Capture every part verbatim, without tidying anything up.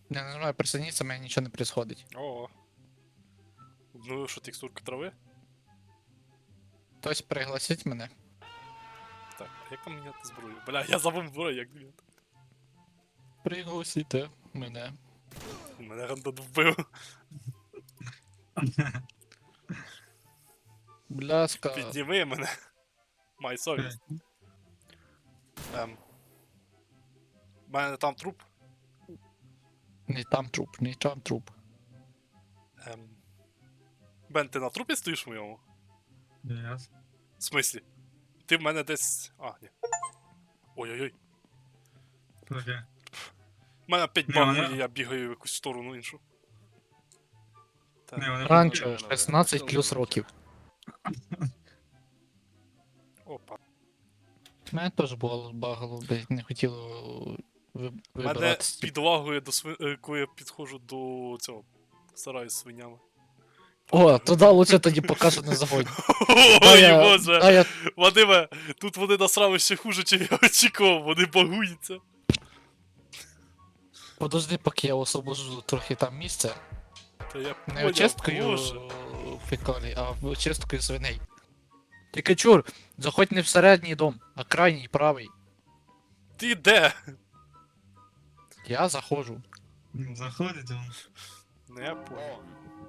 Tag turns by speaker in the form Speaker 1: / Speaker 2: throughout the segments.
Speaker 1: Я не знаю, присоединиться, у мене нічого не происходить.
Speaker 2: О. Ну що, текстурка трави?
Speaker 1: Хтось пригласить мене.
Speaker 2: Так, а як там міняти зброю? Бля, я забув зброю, як міняти.
Speaker 1: Пригласите мене.
Speaker 2: Мене рандом вбив.
Speaker 1: Бляска.
Speaker 2: Підніми мене. Май совість. Ем. У мене там труп.
Speaker 1: Не там труп, не там труп.
Speaker 2: Ем. Бен, ти на трупі стоїш в моєму?
Speaker 3: Yes.
Speaker 2: В смислі? Ти в мене десь. А, ні. Ой-ой-ой.
Speaker 3: Окей.
Speaker 2: У мене п'ять
Speaker 3: Ні,
Speaker 2: багів,
Speaker 3: мене-
Speaker 2: і я бігаю в якусь сторону іншу. Так.
Speaker 3: Ні, вони
Speaker 1: Ранчо, шістнадцять плюс років.
Speaker 2: Опа.
Speaker 1: У мене теж було багало, блядь, не хотіло ви-
Speaker 2: Мене
Speaker 1: вибиратися.
Speaker 2: підлагує до сви... е, коли я підходжу до цього. Сараю з свинями.
Speaker 1: О, туди лучше тоді покажу на заводі. Та
Speaker 2: Ой,
Speaker 1: я-
Speaker 2: боже!
Speaker 1: та я-
Speaker 2: Вадиме, тут вони насрали ще хуже, чим я очікував, вони багуються.
Speaker 1: Подожди, поки я освобожу трохи там місце.
Speaker 2: Та я
Speaker 1: Не
Speaker 2: поняв,
Speaker 1: очисткою
Speaker 2: боже.
Speaker 1: фекалій, а очисткою свиней. Тільки чур, заходь не в середній дом, а крайній правий.
Speaker 2: Ти де?
Speaker 1: Я заходжу.
Speaker 3: Заходить он.
Speaker 2: Ну я понял.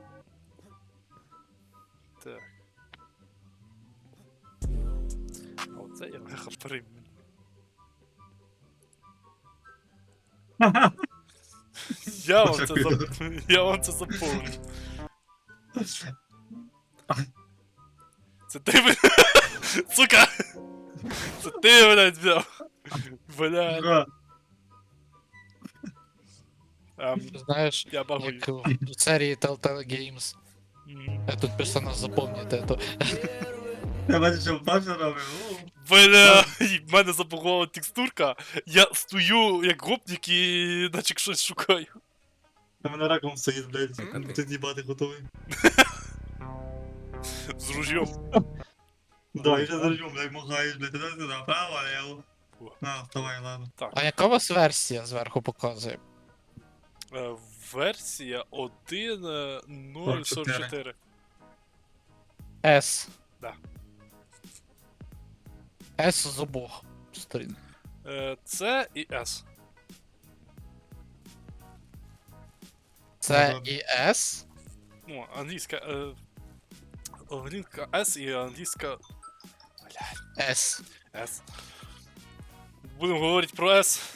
Speaker 2: Так. А оце я легко перейму. Я вам це зап... Я вам це запомню. Це ти мене... Сука! Це ти мене взяв. Бля.
Speaker 3: Бра.
Speaker 2: Ем,
Speaker 1: Знаєш,
Speaker 2: я багую.
Speaker 1: як в серії Telltale Games.
Speaker 2: Мгм.
Speaker 1: Я тут персонаж запам'ятаю, то
Speaker 3: Я бачу, що Паша робив. О.
Speaker 2: Бля, і в мене забагувала текстурка. Я стою як гопник і наче щось шукаю.
Speaker 3: Та мене раком стоїть, блядь. Ти їбати готовий.
Speaker 2: З ружьом.
Speaker 3: Да, і ще заржу, блядь, махаєш, блядь, туди сюди, право, лево.
Speaker 2: О.
Speaker 3: На, вставай, ладно.
Speaker 1: А яка у вас версія зверху показує?
Speaker 2: Е, Версія один нуль сорок чотири.
Speaker 1: S.
Speaker 2: Да.
Speaker 1: S з обох сторін.
Speaker 2: Е, Це і С.
Speaker 1: Це
Speaker 3: Ага.
Speaker 1: і S.
Speaker 2: Ну, англійська. Е, англійська С і англійська
Speaker 1: S.
Speaker 2: С. Будемо говорити про С.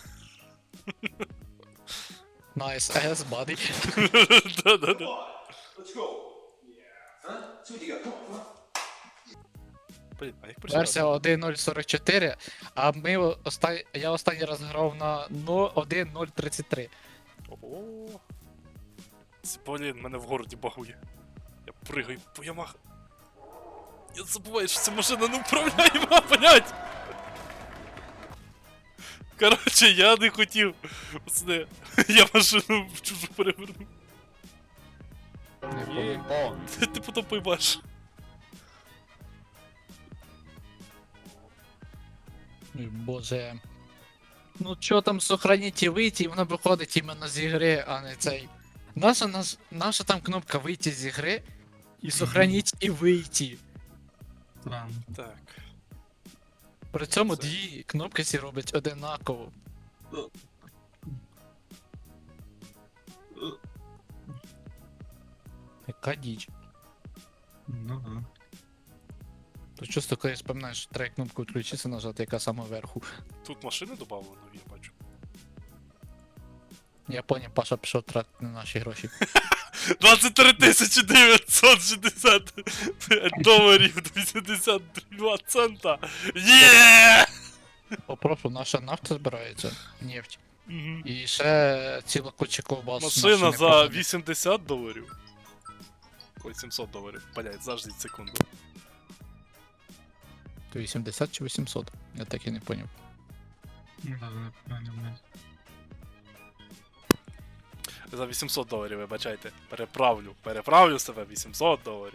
Speaker 1: Nice S, buddy.
Speaker 2: Да-да-да.
Speaker 4: Let's go. Yeah. Huh? See what you got. Come on, come on.
Speaker 2: Блін, а як прочитати?
Speaker 1: Версія один нуль сорок чотири, а ми оста... я останній раз грав на один нуль тридцять три.
Speaker 2: О. Це, блін, мене в городі багує. Я пригаю по ямах. Я забуваю, що ця машина не управляєма, блядь! Коротше, я не хотів. Пацани, я машину в чужу перевернув.
Speaker 1: Не помню.
Speaker 2: Ти, ти потім поймаш.
Speaker 1: Ой, боже. Ну чо там сохраніть і вийти, і воно виходить іменно з ігри, а не цей. Наша, наш... Наша там кнопка вийти з ігри і сохраніть і вийти.
Speaker 3: Странно.
Speaker 2: Так.
Speaker 1: При цьому
Speaker 2: Це-
Speaker 1: дві кнопки всі роблять одинаково. Яка діч.
Speaker 3: Ну да.
Speaker 1: То чисто коли споминаєш, що треба кнопку відключитися, нажати, яка саме вверху.
Speaker 2: Тут машини додали нові, я бачу.
Speaker 1: Я поняв, Паша пішов тратити на наші гроші.
Speaker 2: двадцять три тисячі дев'ятсот шістдесят доларів вісімдесят два цента. Є!
Speaker 1: Попрошу, наша нафта збирається, нефть.
Speaker 2: Мгм.
Speaker 1: І ще ціла куча ковбас.
Speaker 2: Машина
Speaker 1: наші
Speaker 2: за
Speaker 1: непогані.
Speaker 2: вісімдесят доларів. Ой, сімсот доларів. Блять, заждіть секунду.
Speaker 1: То вісімдесят чи вісімсот? Я так і не поняв.
Speaker 3: Ну да, не правильно, блядь.
Speaker 2: За вісімсот доларів, вибачайте. Переправлю. Переправлю себе вісімсот доларів.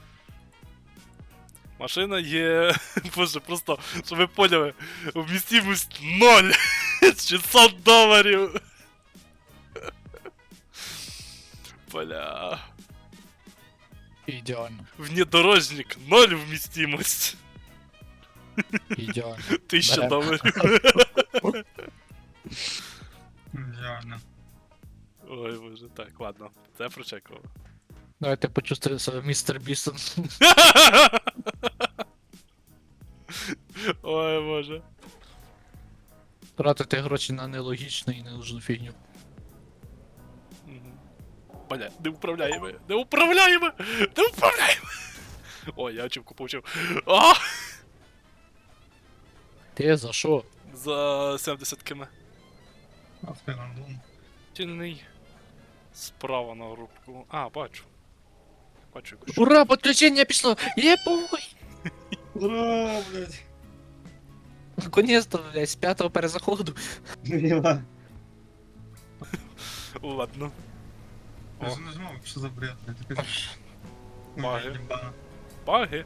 Speaker 2: Машина є. Боже, просто, щоб ви поняли, вмістимость ноль. шістсот доларів. Бля.
Speaker 1: Ідеально.
Speaker 2: Внедорожник ноль вмістимость.
Speaker 1: Ідеально.
Speaker 2: Тисяча
Speaker 1: Берем.
Speaker 2: доларів.
Speaker 3: Реально.
Speaker 2: Ой, боже, так, ладно, це прочекував.
Speaker 1: Давайте почувствую себе містер Бісон.
Speaker 2: Ой, боже.
Speaker 1: Тратити гроші на нелогічну і ненужну фігню.
Speaker 2: Мгм. Бля, не управляємо, не управляємо, не управляємо. Ой, я очівку получив. А!
Speaker 1: Ти за що?
Speaker 2: За сімдесят км.
Speaker 3: Авторандом.
Speaker 2: Тінний. Справа на групку. А, бачу. Бачу якусь.
Speaker 1: Ура, підключення пішло! Єбой!
Speaker 3: Ура, блядь.
Speaker 1: Наконец-то, блядь, з п'ятого перезаходу.
Speaker 3: Єба.
Speaker 2: Ладно.
Speaker 3: Я
Speaker 2: О.
Speaker 3: ж нажимав, що за бред, блядь. Якась-
Speaker 2: Баги.
Speaker 3: Ой, єбана.
Speaker 2: Баги.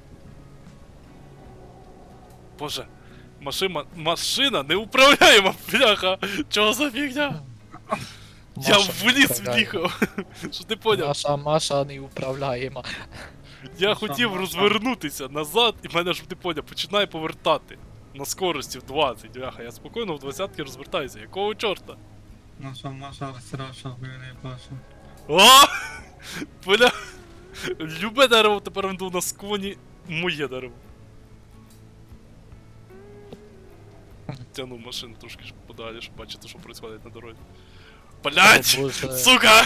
Speaker 2: Боже. Машина, машина неуправляема, бляха! Чого за фігня? Я
Speaker 1: Маша
Speaker 2: в ліс
Speaker 1: неуправляєма.
Speaker 2: в'їхав. Що ти поняв?
Speaker 1: Наша Маша неуправляєма.
Speaker 2: Я
Speaker 3: Маша,
Speaker 2: хотів
Speaker 3: Маша.
Speaker 2: розвернутися назад, і мене ж ти поняв, починає повертати. На скорості в двадцять, бляха, я спокійно в двадцятки розвертаюся. Якого чорта?
Speaker 3: Наша Маша розтираша, блін, Паша.
Speaker 2: О! Бля! Любе дерево тепер веду на склоні, моє дерево. Тяну машину трошки ж подалі, щоб бачити, що відбувається на дорозі. Блять!
Speaker 1: О, Боже.
Speaker 2: Сука!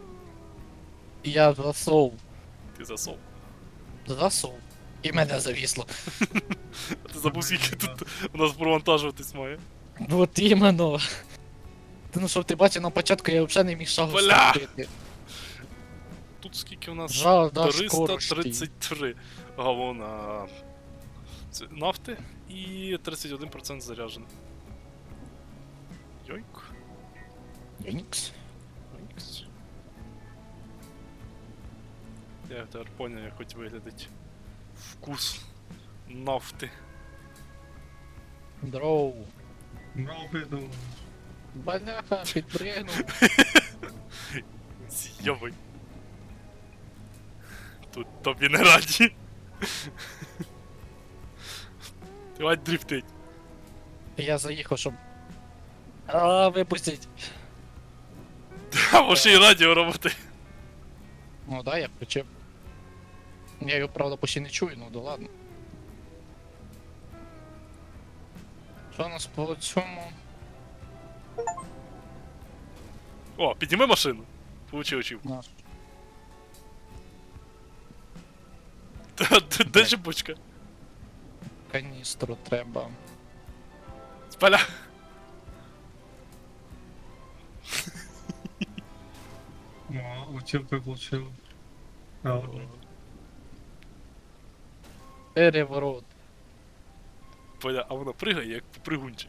Speaker 1: Я засов.
Speaker 2: Ти засов.
Speaker 1: Засов. І мене завісло.
Speaker 2: А ти забув, скільки тут у нас провантажуватись має.
Speaker 1: Вот іменно. Ти ну щоб ти бачив на початку, я взагалі не міг шагу
Speaker 2: Бля!
Speaker 1: ступити.
Speaker 2: Тут скільки у нас?
Speaker 1: Жал, да,
Speaker 2: триста
Speaker 1: скорості.
Speaker 2: тридцять три галона це нафти і тридцять один процент заряджено. Йойк.
Speaker 1: Нікс.
Speaker 2: Йойкс. Я тепер поняв, як хоч виглядить вкус нафти.
Speaker 1: Дроу.
Speaker 3: Брав приду.
Speaker 1: Бляха, підпригнув.
Speaker 2: Зйобай. Тут тобі не раді. Давай дрифтить.
Speaker 1: Я заїхав, щоб... А, випустіть.
Speaker 2: А може і радіо робити.
Speaker 1: Ну да, я включив. Я його, правда, почти не чую, ну да ладно. Що у нас по цьому?
Speaker 2: О, підніми машину. Получи очівку.
Speaker 1: Наш.
Speaker 2: Та, де- Де жибочка?
Speaker 1: Каністру треба.
Speaker 2: Спаля.
Speaker 3: О, училку получил. Правда.
Speaker 1: Переворот.
Speaker 2: Поля, а вона пригає як попригунчик.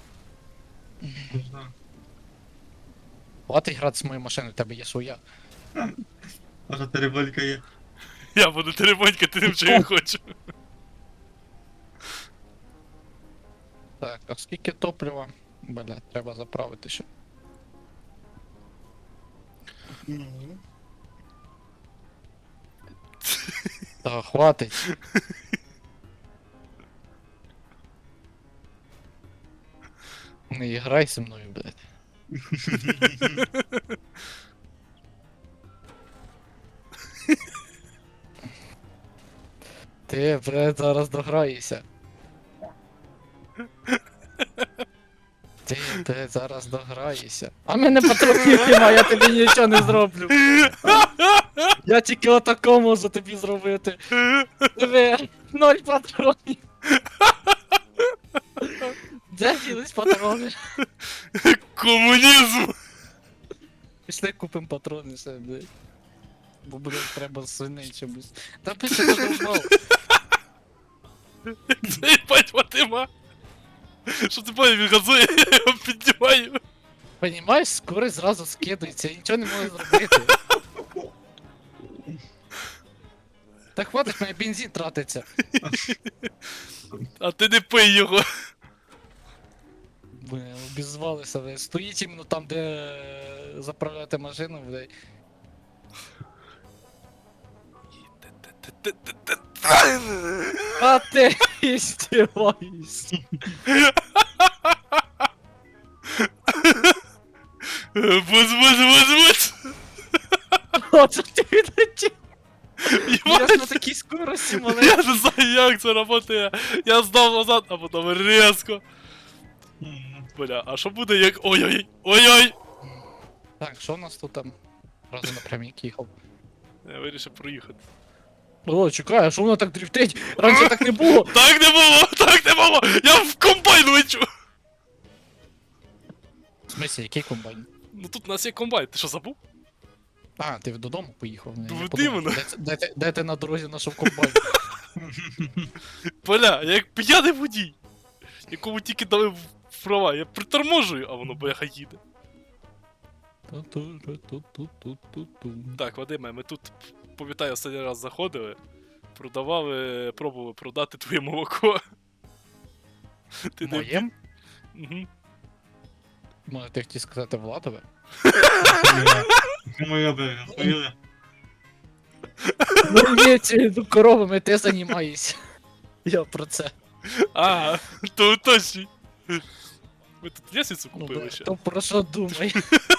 Speaker 3: Да.
Speaker 1: Хватить грати з моєю машиною, в тебе є своя.
Speaker 3: Паша, тереболька є.
Speaker 2: Я буду теребонькати тим, що я хочу.
Speaker 1: Так, а скільки топлива? Бля, треба заправити ще. Та хватить. Не грай зі мною, блядь. Ти, блядь, зараз дограєшся. Ти, блядь, зараз дограєшся. А в мене патронів немає, я тобі нічого не зроблю. Я тільки отако можу тобі зробити. Диви, ноль патронів. Де ділись патрони?
Speaker 2: Комунізм!
Speaker 1: Пішли купимо патрони все, блядь. Бо буде треба свиней чомусь. Та пише додумав.
Speaker 2: Це їбать Ватима! Що ти поняв, він газує, я його піднімаю.
Speaker 1: Понімаєш, скорость зразу скидується, я нічого не можу зробити. Так хватить, мене бензин тратиться.
Speaker 2: А ти не пий його.
Speaker 1: Бля, обізвалися, блядь. Стоїть іменно там, де заправляти машину, блядь. А ти істіваєшся.
Speaker 2: Бус, бус, бус, бус!
Speaker 1: Оце ти відлетів. Я ж на
Speaker 2: Єбать!
Speaker 1: такій скорості,
Speaker 2: Я
Speaker 1: малий.
Speaker 2: не знаю, як це працює. Я здав назад, а потім різко.
Speaker 3: М,
Speaker 2: Бля, а що буде як. Ой-ой! Ой-ой!
Speaker 1: Так, що у нас тут там? Разом напрямік їхав.
Speaker 2: Я вирішив проїхати.
Speaker 1: О, чекай, а що воно так дрифтить? Раніше так не було.
Speaker 2: Так не було! Так не було! Я в комбайн лечу!
Speaker 1: В смысле, який комбайн?
Speaker 2: Ну тут у нас є комбайн, ти що забув?
Speaker 1: А, ти додому поїхав. Я
Speaker 2: Ну,
Speaker 1: подумав,
Speaker 2: іменно.
Speaker 1: де, це- де, ти- де ти на дорозі знайшов комбайн?
Speaker 2: Бля, я як п'яний водій, якому тільки дали в- права, я приторможую, а воно бляха їде.
Speaker 1: Ту-ту-ру-ту-ту-ту-ту-ту.
Speaker 2: Так, Вадиме, ми тут, пам'ятаю, останній раз заходили, продавали, пробували продати твоє молоко. Ти не...
Speaker 1: Моєм?
Speaker 2: Угу.
Speaker 1: Може, ти хотів сказати Владове?
Speaker 3: Це моя бега, поїли.
Speaker 1: Ну, ні, ці ну, коровами ти займаєшся. Я про це.
Speaker 2: А, то уточнюй. Ми тут лестницю
Speaker 1: Ну,
Speaker 2: купили
Speaker 1: да,
Speaker 2: ще.
Speaker 1: то про що думай?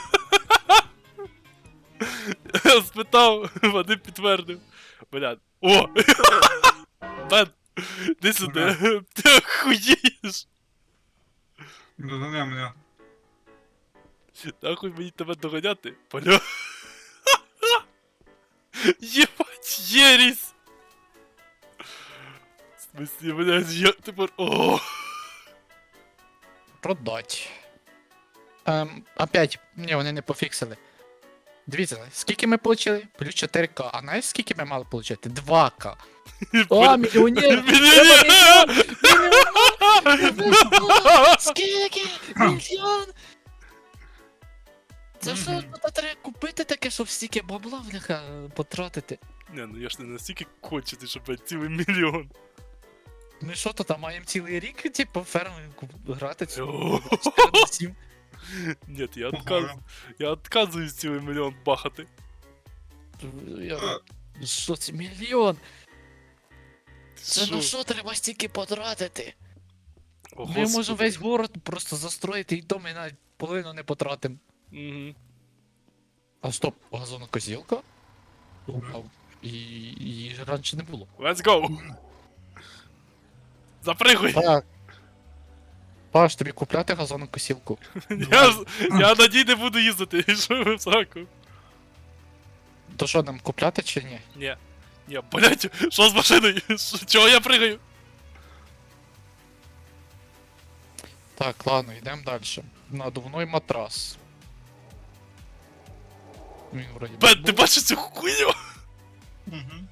Speaker 2: Я спитав, Вадим підтвердив. Бля, о! Бен, іди сюди, ти охуєш!
Speaker 3: Догони мене.
Speaker 2: Нахуй мені тебе доганяти, поля. Єбать, єріс! В смысле, блядь, я тепер... О!
Speaker 1: Продать. Ем, опять, ні, вони не пофіксили. Дивіться, скільки ми отримали? Плюс чотири ка. А знаєш, скільки ми мали отримати? два ка. О, мільйонер!
Speaker 2: Мільйонер!
Speaker 1: Мільйон! Скільки? Мільйон! Це що
Speaker 3: Мгм.
Speaker 1: тут треба купити таке, щоб стільки бабла, бляха, потратити?
Speaker 2: Не, ну я ж не настільки кончений, щоб блядь, цілий мільйон.
Speaker 1: Ми що то там маємо цілий рік, типу, ферми грати цю
Speaker 2: О.
Speaker 1: чотири на сім?
Speaker 2: Ні, я отказ... я отказуюсь цілий мільйон бахати.
Speaker 1: Я... Що це мільйон?
Speaker 2: Ти
Speaker 1: Це
Speaker 2: що?
Speaker 1: на що треба стільки потратити?
Speaker 2: О,
Speaker 1: Ми
Speaker 2: Господи.
Speaker 1: можемо весь город просто застроїти і то ми навіть половину не потратимо.
Speaker 2: Мгм.
Speaker 1: А стоп, газонокосілка? А, і її ж раніше не було.
Speaker 2: Let's go! Запригуй!
Speaker 1: Так. Паш, тобі купляти газонокосілку?
Speaker 2: Я, ж- я на ній не буду їздити, що ви в сраку?
Speaker 1: То що нам купляти чи ні?
Speaker 2: Ні. Ні, блять, що з машиною? Що- Чого я пригаю?
Speaker 1: Так, ладно, йдемо далі. Надувной матрас. Він вроді би
Speaker 2: Бен, ти
Speaker 1: був.
Speaker 2: бачиш цю хуйню?
Speaker 3: Мгм.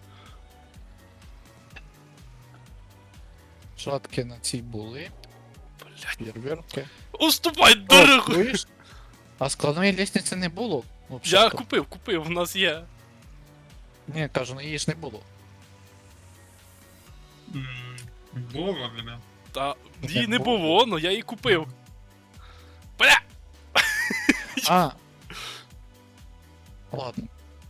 Speaker 1: Шатки на цій були.
Speaker 2: Блять,
Speaker 1: Фєрверки.
Speaker 2: уступай
Speaker 1: О,
Speaker 2: дорогу!
Speaker 1: чуєш? А складної лестниці не було.
Speaker 2: Я
Speaker 1: Взагалі.
Speaker 2: купив, купив, в нас є.
Speaker 1: Ні, кажу, ну її ж не було.
Speaker 3: М, Було вроде.
Speaker 2: Та
Speaker 1: Як
Speaker 2: її не
Speaker 1: було?
Speaker 2: було, но я її купив. Бля!
Speaker 1: А. Ладно.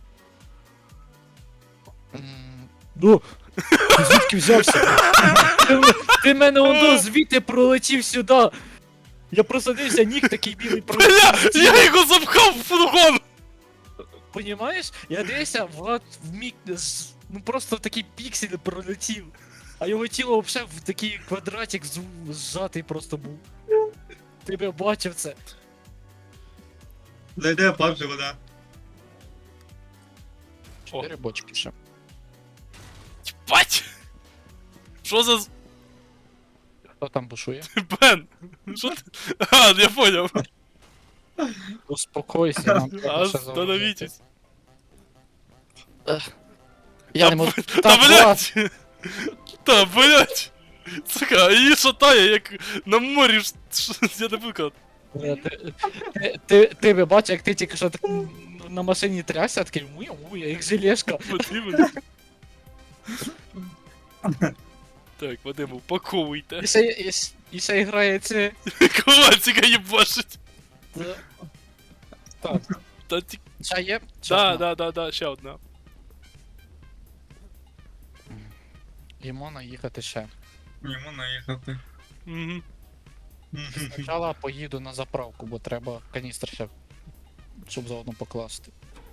Speaker 1: М, Ну, ти звідки взявся? Ти, м- ти мене оно звідти пролетів сюди. Я просадився, ніг такий білий
Speaker 2: Бля!
Speaker 1: пролетів.
Speaker 2: Я його запхав в фургон!
Speaker 1: Понімаєш? Я дивився, Влад в міг з- ну просто такий піксель пролетів. А його тіло взагалі в такий квадратик з- зжатий просто був. Ти б бачив це.
Speaker 3: Зайде папці вода.
Speaker 1: Чотири бочки ще.
Speaker 2: Бать! Що за... з-
Speaker 1: Хто там бушує?
Speaker 2: Бен? Що ти? А, я поняв.
Speaker 1: Успокойся, нам треба ще заводити.
Speaker 2: Остановитесь.
Speaker 1: Я
Speaker 2: Та
Speaker 1: не можу.
Speaker 2: б-
Speaker 1: Так,
Speaker 2: Та
Speaker 1: Влад,
Speaker 2: блять! Та блять! Сука, її шатає, як на морі. ж- ш- Я не буду казати.
Speaker 1: Бля, ти, ти, ти, ти би бачив, як ти тільки що так м, на машині трясся, такий муя, муя, як желешка.
Speaker 2: Потрібно. Так, Вадим, упаковуйте.
Speaker 1: І ще, і, ще- і ще грає це.
Speaker 2: Ковальчика їбашить.
Speaker 1: Так.
Speaker 2: Та ті...
Speaker 1: Ще є? Ще
Speaker 2: Да,
Speaker 1: одна.
Speaker 2: да, да, да, ще одна.
Speaker 1: І можна їхати ще.
Speaker 3: Йому наїхати.
Speaker 2: Угу.
Speaker 1: Спочатку поїду на заправку, бо треба каністр ще, щоб заодно покласти.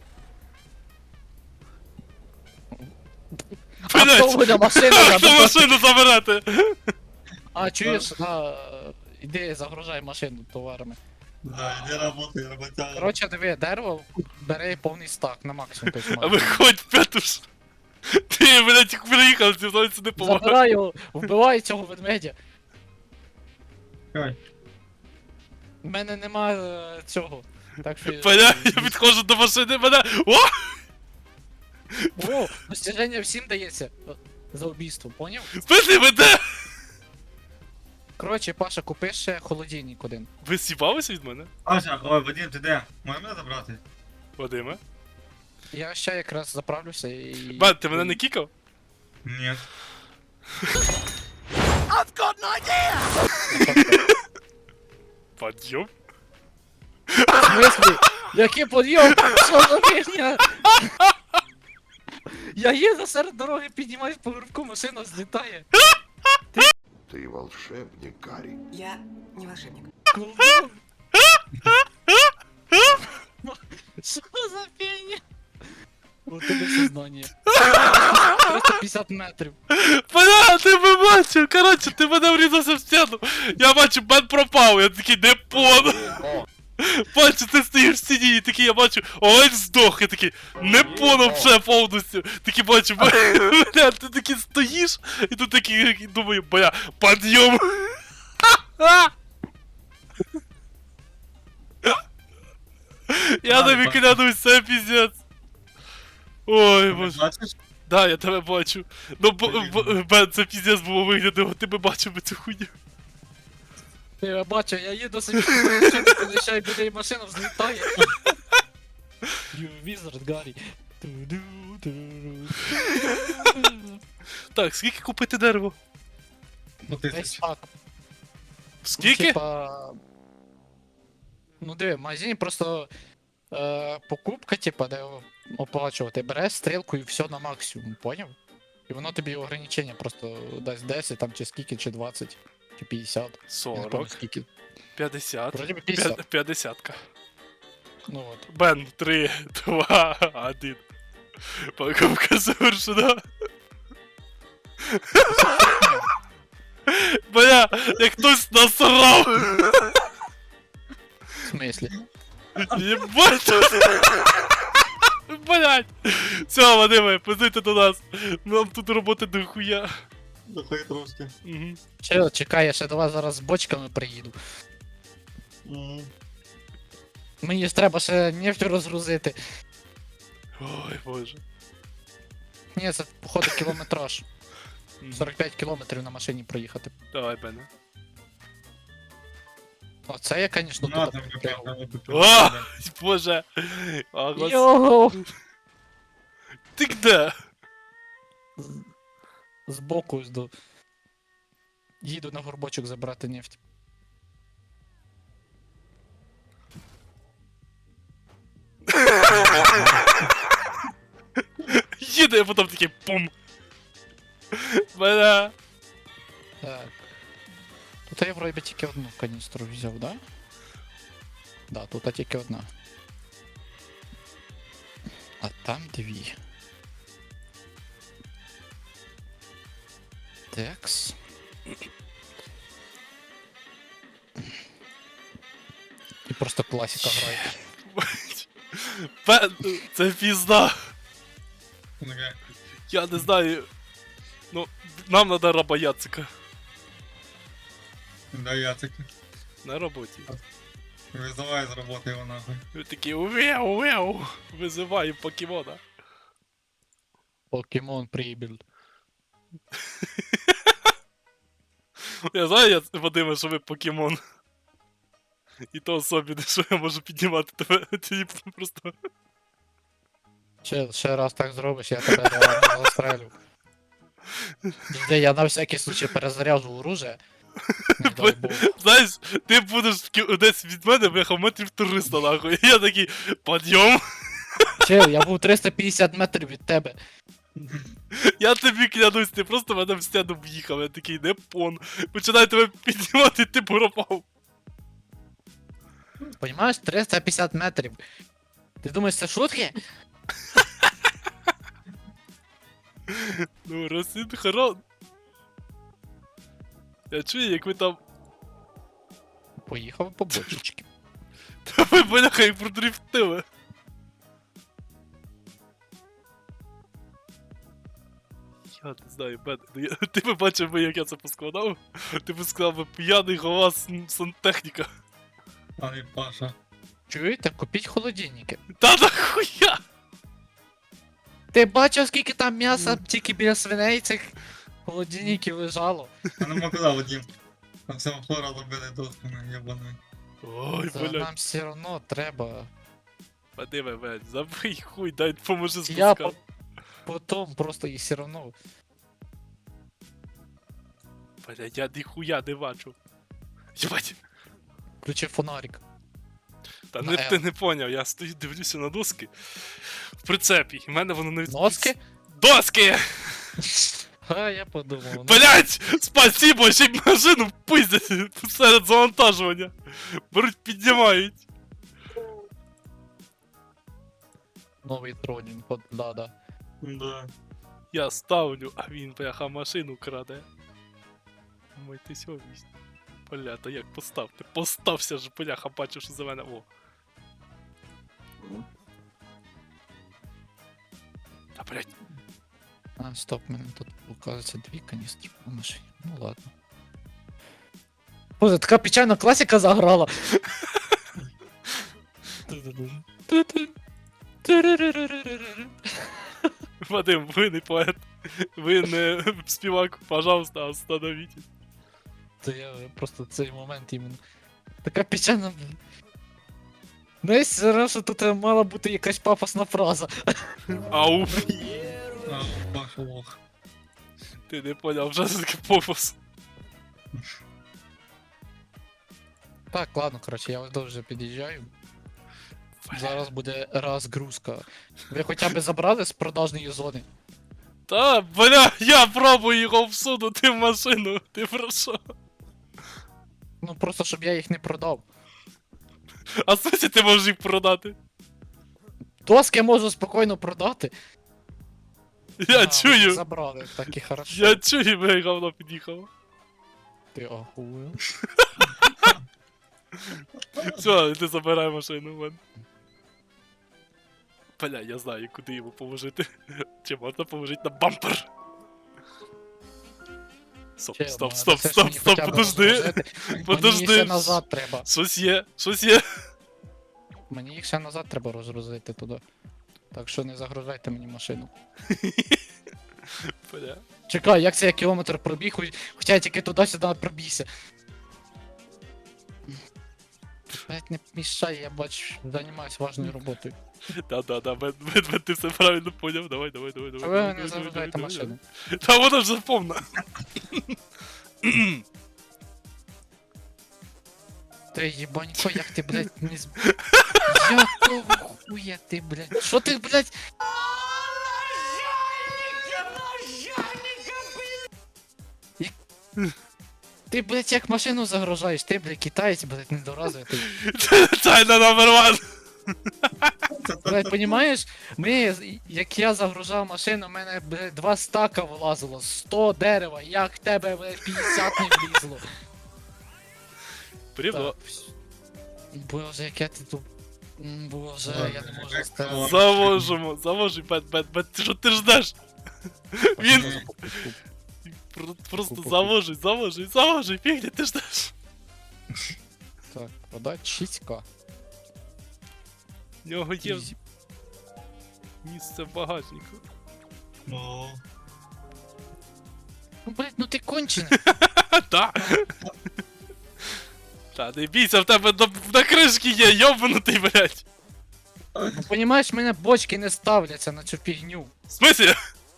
Speaker 1: А
Speaker 2: Блядь!
Speaker 1: хто буде машину
Speaker 2: Хто
Speaker 1: забирати?
Speaker 2: машину забирати?
Speaker 1: А, чуєш, а, іди загружай машину товарами.
Speaker 3: Да, іди работай, роботяга.
Speaker 1: Коротше, диви, дерево бери повний стак на максимум. тобто
Speaker 2: А
Speaker 1: максимум.
Speaker 2: виходь, Петуш. Ти, блядь, як приїхав, зі мною сюди помагав.
Speaker 1: Забирай його, вбивай цього ведмедя.
Speaker 3: Чекай.
Speaker 1: У мене нема е, цього. Так що.
Speaker 2: Поня, я підходжу до машини, мене. О!
Speaker 1: О, достіження всім дається. е, За убійство, поняв?
Speaker 2: Спити мене!
Speaker 1: Коротше, Паша, купи ще холодильник один.
Speaker 2: Ви сібалися від мене?
Speaker 3: Паша, ой, Вадим, ти де? Можеш мене забрати?
Speaker 2: Вадиме?
Speaker 1: Я ще якраз заправлюся і.
Speaker 2: Бен, ти мене не кікав?
Speaker 3: Ні.
Speaker 2: Подйом?
Speaker 1: В смислі? Який подйом? Що за фігня? Я їду серед дороги, піднімаюсь по горбку, машина злітає.
Speaker 5: Ты волшебник, Гарри.
Speaker 6: Я не волшебник.
Speaker 1: Колдун. Що за фігня? У тебе сознання. триста п'ятдесят метрів.
Speaker 2: Поня, ти мене бачив, коротше, ти мене врізався в стіну. Я бачу, Бен пропав, я такий, не понял. Бачу, ти стоїш в стіні і такий, я бачу, олень здох, я такий, не понял вже повністю. Такий бачу, бля, ти такий стоїш, і тут такий, думаю, бля, подйом. Я тобі клянусь, це піздець. Ой, боже.
Speaker 3: Бачиш?
Speaker 2: Да, я тебе бачу. Ну, бо- бо- Бен, це піздець було виглядало, ти би бачив би цю хуйню.
Speaker 1: Я бачу, я їду собі, машину під'їжджаю, біля машина взлітає. You wizard, Гаррі. Ту-ду-ду-ду.
Speaker 2: Так, скільки купити дерево?
Speaker 3: Ну
Speaker 1: Десь
Speaker 3: тисяч.
Speaker 1: так.
Speaker 2: Скільки?
Speaker 1: Ну, типа... Ну диви, в магазині просто е, покупка, типа, де оплачувати. Береш стрілку і все на максимум, поняв? І воно тобі ограничення просто дасть десять, там, чи скільки, чи двадцять, чи п'ятдесят. Я не пам'ятаю
Speaker 2: сорок,
Speaker 1: скільки.
Speaker 2: п'ятдесят,
Speaker 1: Вроді би п'ятдесят.
Speaker 2: п'я- п'ятдесятка.
Speaker 1: Ну от.
Speaker 2: Бен, три, два, один. Покупка завершена. Бля, як хтось насрав.
Speaker 1: В смислі?
Speaker 2: Єбать! Блять! Все, Вадиме, пиздуйте до нас. Нам тут роботи дохуя.
Speaker 3: Дохай трошки.
Speaker 2: Угу.
Speaker 1: Че, чекай, я ще до вас зараз з бочками приїду.
Speaker 3: Мгм.
Speaker 1: Мені ж треба ще нефть розгрузити.
Speaker 2: Ой, боже.
Speaker 1: Ні, це походу кілометраж.
Speaker 2: Мгм.
Speaker 1: сорок п'ять кілометрів на машині проїхати.
Speaker 2: Давай, Бене.
Speaker 1: Оце я, звісно,
Speaker 3: На,
Speaker 1: тут
Speaker 3: там
Speaker 1: прям.
Speaker 3: капець, там
Speaker 2: О!
Speaker 3: капець.
Speaker 2: Боже. А, гос...
Speaker 1: Йоу!
Speaker 2: Ти де?
Speaker 1: Збоку ось до. Їду на горбочок забрати нефть.
Speaker 2: Їде, а потім такий пум. Бля.
Speaker 1: Так. Тут я вроді тільки одну каністру взяв, да? Да, тут тільки одна. А там дві. Текс. І просто класика грає.
Speaker 2: Бен, це пізда.
Speaker 3: Таке.
Speaker 2: Я не знаю. Ну, нам надо раба Яцика.
Speaker 3: Да, Яцик.
Speaker 2: На роботі.
Speaker 3: Визивай з роботи його нахуй.
Speaker 2: Ви такі уяу, уяу. Визиваю покемона.
Speaker 1: Покемон прибіль.
Speaker 2: Я знаю, я, Вадиме, що ви покемон. І то особливо, що я можу піднімати тебе. Ти просто.
Speaker 1: Ще, ще раз так зробиш, я тебе реально застрелю. Де я на всякий случай перезаряжу оружие. Не дай Бог.
Speaker 2: Знаєш, ти будеш в кі- десь від мене, бляха, метрів триста нахуй. І я такий, подйом.
Speaker 1: Чел, я був триста п'ятдесят метрів від тебе.
Speaker 2: Я тобі клянусь, ти просто мене в стіну в'їхав, я такий не пон. Починаю тебе піднімати, ти пропав.
Speaker 1: Понімаєш, триста п'ятдесят метрів. Ти думаєш, це шутки?
Speaker 2: Ну, розсинхрон. Я чую, як ви там.
Speaker 1: Поїхав по бочечки.
Speaker 2: Та ви, бляха, як продрифтили. Я не знаю, Бен, ну я- ти би бачив би, як я це поскладав? Ти би сказав би п'яний голова сан- сантехніка.
Speaker 3: Ай, Паша.
Speaker 1: Чуєте, купіть холодильники.
Speaker 2: Та нахуя?
Speaker 1: Ти бачив, скільки там м'яса тільки біля свиней цих холодильників лежало?
Speaker 3: Я не можу казав, Вадим. Там все хлора робили досками, ябаний.
Speaker 2: Ой,
Speaker 1: Це
Speaker 2: блядь.
Speaker 1: нам все одно треба.
Speaker 2: Вадиме, блядь, забий хуй, дай поможи
Speaker 1: Я
Speaker 2: спускати.
Speaker 1: по- потом просто і все одно.
Speaker 2: Блядь, я ніхуя не бачу. Єбать.
Speaker 1: Включи фонарик.
Speaker 2: Та
Speaker 1: На
Speaker 2: не,
Speaker 1: L.
Speaker 2: ти не поняв, я стою, дивлюся на доски в прицепі, і в мене воно не від...
Speaker 1: Носки?
Speaker 2: Доски!
Speaker 1: А, я подумав. ну,
Speaker 2: Блять! Спасибо, ще й машину пиздять серед завантажування. Беруть, піднімають.
Speaker 1: Новий тронінг, от, да, да.
Speaker 3: Да.
Speaker 2: Я ставлю, а він, бляха, машину краде. Мой ти сьогодні. Бля, та як поставте? Постався ж, бляха, бачу, що за мене. О. Та блять.
Speaker 1: А, стоп, мене тут, оказується, дві каністри на машині. Ну ладно. Боже, така печальна класика заграла.
Speaker 2: Вадим, ви не поет. Ви не співак, пожалуйста, остановіть.
Speaker 1: То я просто цей момент іменно. Така печальна. Знаєш, зараз що тут мала бути якась пафосна фраза.
Speaker 2: Ау.
Speaker 3: А, Паша лох.
Speaker 2: Ти не поняв, вже це таке попус.
Speaker 1: Так, ладно, коротше, я ось дуже під'їжджаю. Зараз буде розгрузка. Ви хоча б забрали з продажної зони?
Speaker 2: Та, бля, я пробую його всунути в машину. Ти про що?
Speaker 1: Ну просто щоб я їх не продав.
Speaker 2: А в сенсі ти можеш їх продати?
Speaker 1: Доски можу спокійно продати.
Speaker 2: Я
Speaker 1: А, ви
Speaker 2: чую.
Speaker 1: Забрали, так і хорошо.
Speaker 2: Я чую, бля, говно під'їхало.
Speaker 1: Ти ахуєв.
Speaker 2: Все, ти забирай машину в мене. Бля, я знаю, куди йому положити. Чи можна положити на бампер? Стоп,
Speaker 1: Чел,
Speaker 2: стоп,
Speaker 1: ну,
Speaker 2: стоп,
Speaker 1: це ж
Speaker 2: стоп,
Speaker 1: мені
Speaker 2: стоп,
Speaker 1: хоча б
Speaker 2: подожди.
Speaker 1: розложити. Мені
Speaker 2: Подожди.
Speaker 1: ще назад треба.
Speaker 2: Щось є, щось є.
Speaker 1: Мені їх ще назад треба розгрузити туди. Так що не загружайте мені машину.
Speaker 2: Бля.
Speaker 1: Чекай, як це я кілометр пробіг, хоч- хоча я тільки туди-сюди пробігся. Блять, не мішай, я бачу, займаюсь важною роботою.
Speaker 2: Да-да-да, мен, мен, мен, ти все правильно поняв. Давай, давай, давай, давай.
Speaker 1: А ви
Speaker 2: давай,
Speaker 1: не
Speaker 2: давай, давай,
Speaker 1: загружайте
Speaker 2: давай,
Speaker 1: машину.
Speaker 2: давай. Та вона вже повна.
Speaker 1: Ти їбанько, як ти, блядь, не з... Якого хуя ти, блядь? Що ти, блядь? Як- Ти, блядь, як машину загружаєш, ти, блядь, китаєць, блядь, недоразвитий.
Speaker 2: Тайна номер один.
Speaker 1: Блядь, понімаєш, ми, як я загружав машину, у мене, блядь, два стака вилазило, сто дерева, як в тебе, блядь, п'ятдесят не влізло.
Speaker 2: Привно.
Speaker 1: Так, вс- Боже, яке ти тут... М, Боже,
Speaker 3: Ладно,
Speaker 1: я не можу
Speaker 3: як
Speaker 1: сказати.
Speaker 3: то?
Speaker 2: Завожимо, завожи, бет, бет, бет, ти що ти ждеш? Він про- просто завожи, завожи, завожи, фігня, ти ждеш.
Speaker 1: Так, продать шість ка.
Speaker 2: В нього є
Speaker 1: Ізі.
Speaker 2: місце в багажнику.
Speaker 3: О,
Speaker 1: Ну, блядь, ну ти кончений.
Speaker 2: Та. Та, не бійся, в тебе на, на кришки є, йобнутий, блядь.
Speaker 1: Ну, понімаєш, мене бочки не ставляться на цю фігню.
Speaker 2: В смислі?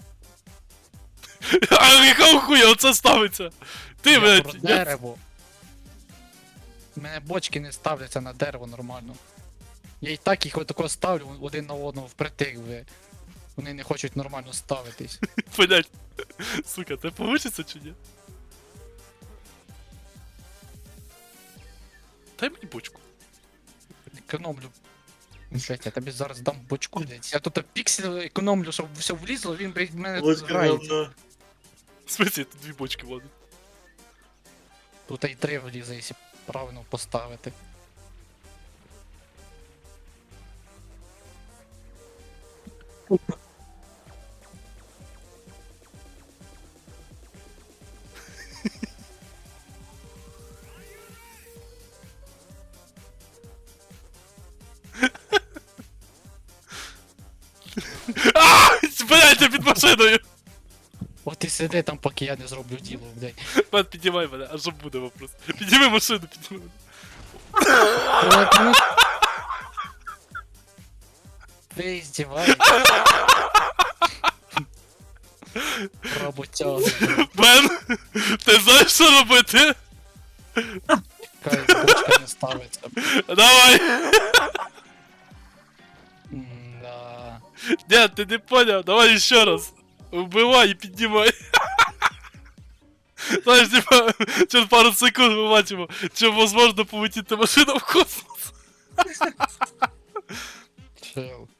Speaker 2: А якого хуя оце ставиться? Ти,
Speaker 1: Я
Speaker 2: блядь,
Speaker 1: про
Speaker 2: я...
Speaker 1: дерево. У мене бочки не ставляться на дерево нормально. Я і так їх отако ставлю один на одного впритик, ви. Вони не хочуть нормально ставитись.
Speaker 2: Понять. Сука, це получиться чи ні? Дай мені бочку.
Speaker 1: Економлю. Блять, я тобі зараз дам бочку, блять. Я тут піксель економлю, щоб все влізло, він, блять, в мене
Speaker 3: Бочка
Speaker 1: грається.
Speaker 3: говно.
Speaker 2: В смысле, тут дві бочки ладно.
Speaker 1: Тут і три влізе, якщо правильно поставити.
Speaker 2: Ааа! Блять, я під машиною!
Speaker 1: От і сиди там, поки я не зроблю діло, блять.
Speaker 2: Пан, піднімай мене, а що буде вопрос? Підніми машину, підніми мене.
Speaker 1: Ну... Ви здіваєтесь. Роботяга.
Speaker 2: Бен, ти знаєш, що робити?
Speaker 1: Кай, бочка не ставиться.
Speaker 2: Давай!
Speaker 1: Да.
Speaker 2: Ні, ти не поняв, давай ще раз. Вбивай і піднімай. Знаєш, типа, через пару секунд ми бачимо, чи можливо полетіти машина в космос.
Speaker 1: Чел.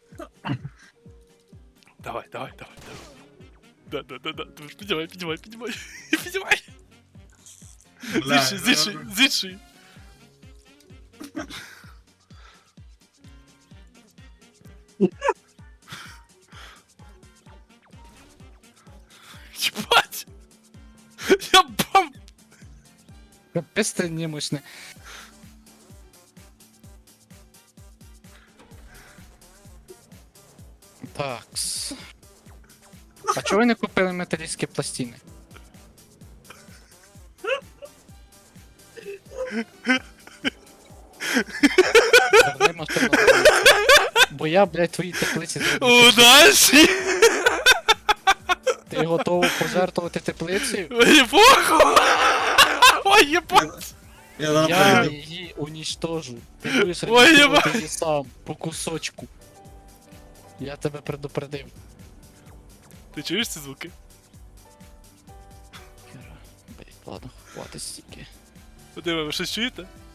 Speaker 2: Давай, давай, давай, давай. Да, да, да, да. Ти ж піднімай, піднімай, піднімай. Піднімай.
Speaker 3: Бля,
Speaker 2: Зіший, зіший, зіший. Ебать! Я бам!
Speaker 1: Капець ти немощний. Такс. А чого ви не купили металістські пластини? Верни машину. Бо я, блядь, твої теплиці зроблю.
Speaker 2: Удачі!
Speaker 1: Ти готовий пожертвувати теплицею?
Speaker 2: Мені похуй! Ой, єбать!
Speaker 3: Я зараз
Speaker 1: Я
Speaker 3: прийду.
Speaker 1: її уничтожу. Ти будеш
Speaker 2: Ой,
Speaker 1: ремонтувати
Speaker 2: єбать.
Speaker 1: її сам, по кусочку. Я тебе предупредив.
Speaker 2: Ти чуєш ці звуки?
Speaker 1: Блять, ладно, хватить стільки.
Speaker 2: Диви, ви щось чуєте?